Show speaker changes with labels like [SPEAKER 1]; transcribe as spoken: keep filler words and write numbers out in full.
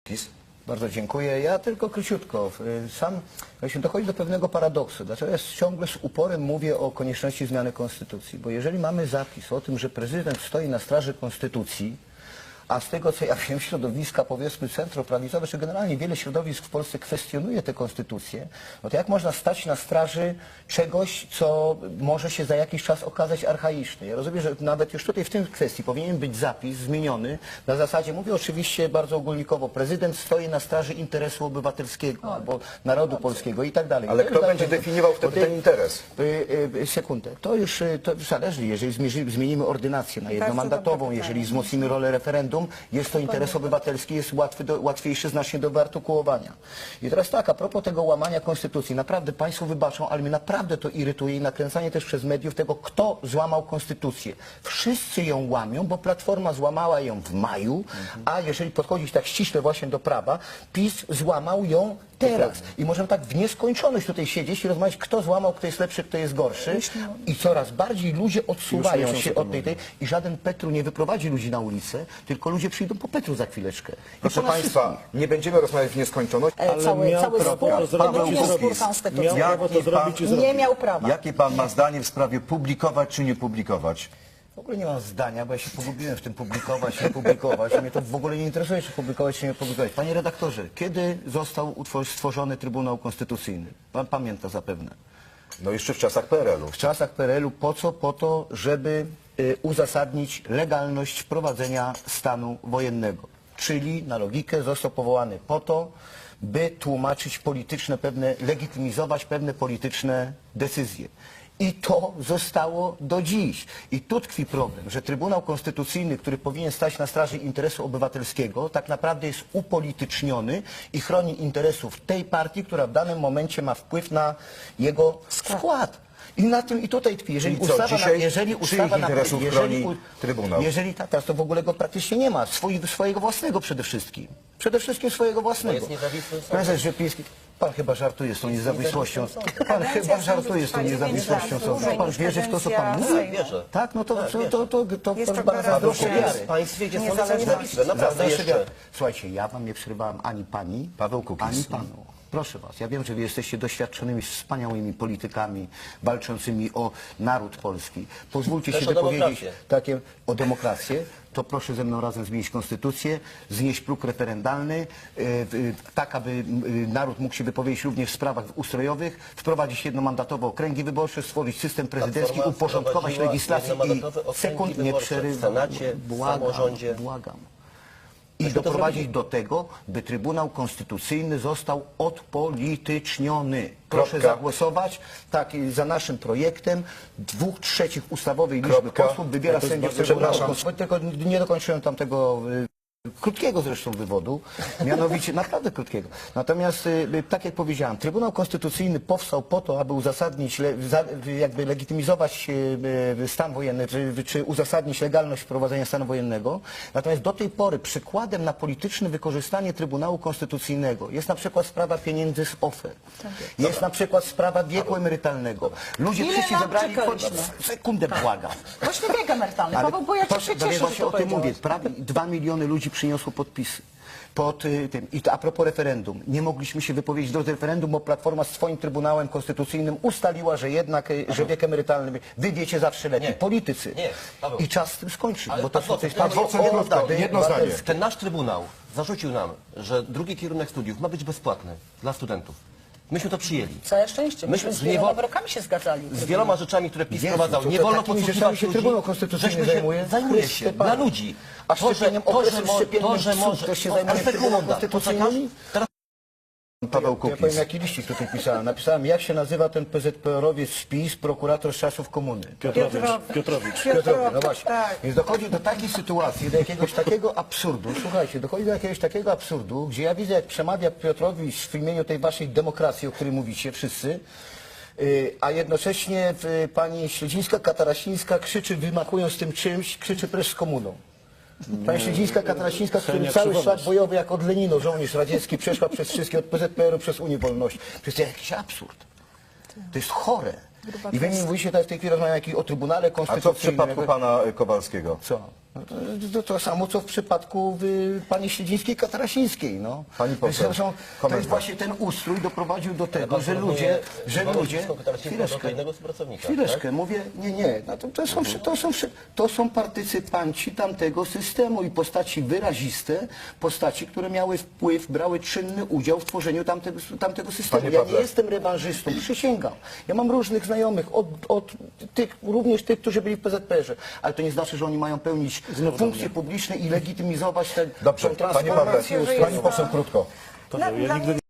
[SPEAKER 1] PiS?
[SPEAKER 2] Bardzo dziękuję. Ja tylko króciutko. Sam właśnie dochodzi do pewnego paradoksu. Dlaczego ja ciągle z uporem mówię o konieczności zmiany konstytucji? Bo jeżeli mamy zapis o tym, że prezydent stoi na straży konstytucji, a z tego, co ja wiem, środowiska, powiedzmy, centroprawicowe, czy generalnie wiele środowisk w Polsce kwestionuje tę konstytucję, no to jak można stać na straży czegoś, co może się za jakiś czas okazać archaiczne? Ja rozumiem, że nawet już tutaj w tej kwestii powinien być zapis zmieniony na zasadzie, mówię oczywiście bardzo ogólnikowo, prezydent stoi na straży interesu obywatelskiego albo narodu polskiego i tak dalej.
[SPEAKER 1] Ale
[SPEAKER 2] to
[SPEAKER 1] kto
[SPEAKER 2] już
[SPEAKER 1] będzie
[SPEAKER 2] dalej,
[SPEAKER 1] definiował wtedy ten interes?
[SPEAKER 2] Y, y, y, sekundę. To już y, to zależy, jeżeli zmienimy, zmienimy ordynację na jednomandatową, jeżeli wzmocnimy rolę referendum, jest to interes obywatelski, jest łatwy do, łatwiejszy znacznie do wyartykułowania. I teraz tak, a propos tego łamania konstytucji, naprawdę Państwo wybaczą, ale mnie naprawdę to irytuje i nakręcanie też przez mediów tego, kto złamał konstytucję. Wszyscy ją łamią, bo Platforma złamała ją w maju, a jeżeli podchodzić tak ściśle właśnie do prawa, PiS złamał ją teraz. I możemy tak w nieskończoność tutaj siedzieć i rozmawiać, kto złamał, kto jest lepszy, kto jest gorszy. I coraz bardziej ludzie odsuwają się od tej, tej i żaden Petru nie wyprowadzi ludzi na ulicę, tylko ludzie przyjdą po Petru za chwileczkę. I
[SPEAKER 1] Proszę
[SPEAKER 2] po nas
[SPEAKER 1] Państwa,
[SPEAKER 2] wszystkich.
[SPEAKER 1] nie będziemy rozmawiać w nieskończoność.
[SPEAKER 3] Ale cały,
[SPEAKER 4] miał
[SPEAKER 3] cały
[SPEAKER 4] prawo
[SPEAKER 3] spór,
[SPEAKER 4] to zrobić
[SPEAKER 3] to
[SPEAKER 4] i
[SPEAKER 3] nie jest spór
[SPEAKER 4] zrobić.
[SPEAKER 3] konstytucyjny.
[SPEAKER 4] Miał prawo to
[SPEAKER 1] Jaki
[SPEAKER 4] zrobić i
[SPEAKER 1] pan-
[SPEAKER 4] zrobić.
[SPEAKER 3] Nie miał prawa.
[SPEAKER 1] Jakie Pan ma zdanie w sprawie publikować czy nie publikować?
[SPEAKER 2] W ogóle nie mam zdania, bo ja się pogubiłem w tym publikować, nie publikować. Mnie to w ogóle nie interesuje, czy publikować, czy nie publikować. Panie redaktorze, kiedy został utwor- stworzony Trybunał Konstytucyjny? Pan pamięta zapewne.
[SPEAKER 1] No jeszcze w czasach P R L u.
[SPEAKER 2] W czasach P R L u po co? Po to, żeby y, uzasadnić legalność wprowadzenia stanu wojennego. Czyli na logikę został powołany po to, by tłumaczyć polityczne pewne, legitymizować pewne polityczne decyzje. I to zostało do dziś. I tu tkwi problem, że Trybunał Konstytucyjny, który powinien stać na straży interesu obywatelskiego, tak naprawdę jest upolityczniony i chroni interesów tej partii, która w danym momencie ma wpływ na jego skład. I na tym i tutaj tkwi. Jeżeli
[SPEAKER 1] Czyli co,
[SPEAKER 2] ustawa, na,
[SPEAKER 1] dzisiaj
[SPEAKER 2] jeżeli
[SPEAKER 1] czyich
[SPEAKER 2] ustawa na,
[SPEAKER 1] interesów
[SPEAKER 2] jeżeli,
[SPEAKER 1] chroni Trybunał?
[SPEAKER 2] Jeżeli tak, teraz to w ogóle go praktycznie nie ma. Swoi, swojego własnego przede wszystkim. Przede wszystkim swojego własnego.
[SPEAKER 5] jest niezawisły sąd.
[SPEAKER 2] Prezes Rzepliński, pan chyba żartuje z tą niezawisłością. Pan chyba żartuje z tą niezawisłością sądu. Pan wierzy w to, co pan mówi?
[SPEAKER 5] Wierzę.
[SPEAKER 2] Tak, no to, to, to, to, to,
[SPEAKER 3] Jest
[SPEAKER 2] to
[SPEAKER 3] to
[SPEAKER 2] bardzo zazdroszczę
[SPEAKER 3] gwarancja.
[SPEAKER 2] wiary.
[SPEAKER 5] W państwie, gdzie sądy są
[SPEAKER 3] Niezależność.
[SPEAKER 5] niezawisłe. Naprawdę
[SPEAKER 2] Zazdroszczę
[SPEAKER 5] jeszcze.
[SPEAKER 2] wiary. Słuchajcie, ja wam nie przerywałem ani pani,
[SPEAKER 1] Paweł Kukiz.
[SPEAKER 2] ani panu. Proszę was, ja wiem, że wy jesteście doświadczonymi, wspaniałymi politykami walczącymi o naród polski. Pozwólcie
[SPEAKER 5] Też
[SPEAKER 2] się
[SPEAKER 5] o
[SPEAKER 2] wypowiedzieć
[SPEAKER 5] demokrację.
[SPEAKER 2] takie o demokrację. To proszę ze mną razem zmienić konstytucję, znieść próg referendalny, y, y, tak aby y, naród mógł się wypowiedzieć również w sprawach ustrojowych, wprowadzić jednomandatowe okręgi wyborcze, stworzyć system prezydencki,
[SPEAKER 5] Platforma
[SPEAKER 2] uporządkować
[SPEAKER 5] wprowadziła
[SPEAKER 2] legislację i
[SPEAKER 5] jednomandatowe okręgi
[SPEAKER 2] sekund nie
[SPEAKER 5] wyborcze w
[SPEAKER 2] przerywam.
[SPEAKER 5] Senacie, w
[SPEAKER 2] Błagam,
[SPEAKER 5] samorządzie.
[SPEAKER 2] błagam. I
[SPEAKER 5] Myśmy to
[SPEAKER 2] doprowadzić
[SPEAKER 5] zrobili.
[SPEAKER 2] do tego, by Trybunał Konstytucyjny został odpolityczniony. Proszę
[SPEAKER 1] Kropka.
[SPEAKER 2] zagłosować tak, za naszym projektem. Dwóch trzecich ustawowej liczby
[SPEAKER 1] Kropka.
[SPEAKER 2] posłów wybiera
[SPEAKER 1] Ja to
[SPEAKER 2] sędziów
[SPEAKER 1] bardzo
[SPEAKER 2] Trybunału
[SPEAKER 1] przepraszam.
[SPEAKER 2] Konstytucyjnego. Tylko nie dokończyłem tamtego y, krótkiego zresztą wywodu, mianowicie naprawdę krótkiego. Natomiast, y, tak jak powiedziałem, Trybunał Konstytucyjny powstał po to, aby uzasadnić, le, za, jakby legitymizować y, y, stan wojenny, czy, czy uzasadnić legalność wprowadzenia stanu wojennego. Natomiast do tej pory przykładem na polityczne wykorzystanie Trybunału Konstytucyjnego jest na przykład sprawa pieniędzy z O F E. Jest na przykład sprawa wieku emerytalnego. Ludzie
[SPEAKER 3] Ile
[SPEAKER 2] wszyscy
[SPEAKER 3] lat
[SPEAKER 2] zebrali...
[SPEAKER 3] czekaliśmy?
[SPEAKER 2] Sekundę błagam.
[SPEAKER 3] Właśnie wiek emerytalny.
[SPEAKER 2] Ale
[SPEAKER 3] Paweł, bo ja cię
[SPEAKER 2] proszę,
[SPEAKER 3] się
[SPEAKER 2] no
[SPEAKER 3] cieszę,
[SPEAKER 2] więc
[SPEAKER 3] że
[SPEAKER 2] właśnie
[SPEAKER 3] to
[SPEAKER 2] o tym mówię.
[SPEAKER 3] powiedziałeś.
[SPEAKER 2] Prawie dwa miliony ludzi przyniosło podpisy pod y, tym. I to a propos referendum. Nie mogliśmy się wypowiedzieć do referendum, bo Platforma z swoim Trybunałem Konstytucyjnym ustaliła, że jednak, y, że wiek emerytalny, wy wiecie zawsze lepiej.
[SPEAKER 5] Nie.
[SPEAKER 2] Politycy.
[SPEAKER 5] Nie, Paweł.
[SPEAKER 2] I czas z tym skończyć.
[SPEAKER 5] Ale
[SPEAKER 2] Bo to,
[SPEAKER 5] adwokat,
[SPEAKER 2] to jest
[SPEAKER 5] ja-
[SPEAKER 2] adwokat,
[SPEAKER 5] jedno
[SPEAKER 2] jedno
[SPEAKER 5] zdanie,
[SPEAKER 2] zdanie.
[SPEAKER 1] jedno zdanie.
[SPEAKER 5] Ten nasz Trybunał zarzucił nam, że drugi kierunek studiów ma być bezpłatny dla studentów. Myśmy to przyjęli.
[SPEAKER 3] Całe szczęście.
[SPEAKER 5] Myśmy
[SPEAKER 3] Myśmy z
[SPEAKER 5] z niewol-
[SPEAKER 3] wieloma wyrokami się zgadzali.
[SPEAKER 5] Z wieloma rzeczami, które PiS
[SPEAKER 2] Jezu,
[SPEAKER 5] wprowadzał.
[SPEAKER 2] to
[SPEAKER 5] Nie
[SPEAKER 2] to
[SPEAKER 5] wolno
[SPEAKER 2] takimi
[SPEAKER 5] podsłuchiwać
[SPEAKER 2] rzeczami się
[SPEAKER 5] ludzi.
[SPEAKER 2] Trybunał Konstytucyjny
[SPEAKER 5] Żeśmy się-
[SPEAKER 2] zajmuje?
[SPEAKER 5] Zajmuje się.
[SPEAKER 2] Chryste
[SPEAKER 5] Dla
[SPEAKER 2] Panie.
[SPEAKER 5] ludzi.
[SPEAKER 2] A
[SPEAKER 5] To, że,
[SPEAKER 2] szczepieniem,
[SPEAKER 5] to,
[SPEAKER 2] okresem
[SPEAKER 5] że, mo,
[SPEAKER 2] szczepiennym
[SPEAKER 5] to, że
[SPEAKER 2] psów,
[SPEAKER 5] może...
[SPEAKER 2] to się
[SPEAKER 5] o,
[SPEAKER 2] zajmuje
[SPEAKER 5] ale sekunda,
[SPEAKER 2] Trybunał Konstytucyjny?
[SPEAKER 5] Teraz
[SPEAKER 1] Paweł
[SPEAKER 2] Ja powiem,
[SPEAKER 1] Kukiz.
[SPEAKER 2] jaki liścik tutaj pisałem. Napisałem, jak się nazywa ten P Z P R owiec z PiS, prokurator z czasów komuny.
[SPEAKER 4] Piotrowicz. Piotrowicz.
[SPEAKER 2] Piotrowicz, no właśnie.
[SPEAKER 3] tak.
[SPEAKER 2] Więc dochodzi do takiej sytuacji, do jakiegoś takiego absurdu, słuchajcie, dochodzi do jakiegoś takiego absurdu, gdzie ja widzę, jak przemawia Piotrowicz w imieniu tej waszej demokracji, o której mówicie wszyscy, yy, a jednocześnie yy, pani Śledzińska-Katarasińska krzyczy, wymachując tym czymś, krzyczy precz z komuną. Pani Śledzińska-Katarasińska, z którym
[SPEAKER 4] Ksenia
[SPEAKER 2] cały
[SPEAKER 4] Krzywonos.
[SPEAKER 2] świat bojowy, jak od Lenino, żołnierz radziecki, przeszła przez wszystkie, od P Z P R u przez Unię Wolności. Przecież to jest jakiś absurd. To jest chore. I wy mi mówicie, tak w tej chwili rozmawiamy o Trybunale
[SPEAKER 1] A co w
[SPEAKER 2] Konstytucyjnym.
[SPEAKER 1] przypadku pana y, Kowalskiego?
[SPEAKER 2] Co? No to, to, to samo, co w przypadku y, pani Śledzińskiej-Katarasińskiej. No.
[SPEAKER 1] Pani poseł,
[SPEAKER 2] Zresztą to
[SPEAKER 1] komentarz.
[SPEAKER 2] jest właśnie ten ustrój doprowadził do tego,
[SPEAKER 5] pan
[SPEAKER 2] że
[SPEAKER 5] porównuje
[SPEAKER 2] ludzie, że
[SPEAKER 5] Iwonę
[SPEAKER 2] ludzie,
[SPEAKER 5] Śledzińską-Katarasińską do innego współpracownika,
[SPEAKER 2] chwileczkę,
[SPEAKER 5] tak?
[SPEAKER 2] mówię, nie, nie, no to, to, są, to, są, to są partycypanci tamtego systemu i postaci wyraziste, postaci, które miały wpływ, brały czynny udział w tworzeniu tamtego, tamtego systemu.
[SPEAKER 1] Panie
[SPEAKER 2] Ja nie
[SPEAKER 1] Pawle.
[SPEAKER 2] jestem rewanżystą, przysięgam. Ja mam różnych znajomych, od, od tych, również tych, którzy byli w P Z P R-ze, ale to nie znaczy, że oni mają pełnić funkcje publiczne i legitymizować ten,
[SPEAKER 1] Dobrze,
[SPEAKER 2] tą
[SPEAKER 1] panie Pawle,
[SPEAKER 2] transformację
[SPEAKER 1] pani
[SPEAKER 2] ustrojową.
[SPEAKER 1] poseł krótko.
[SPEAKER 3] Dla, dla mnie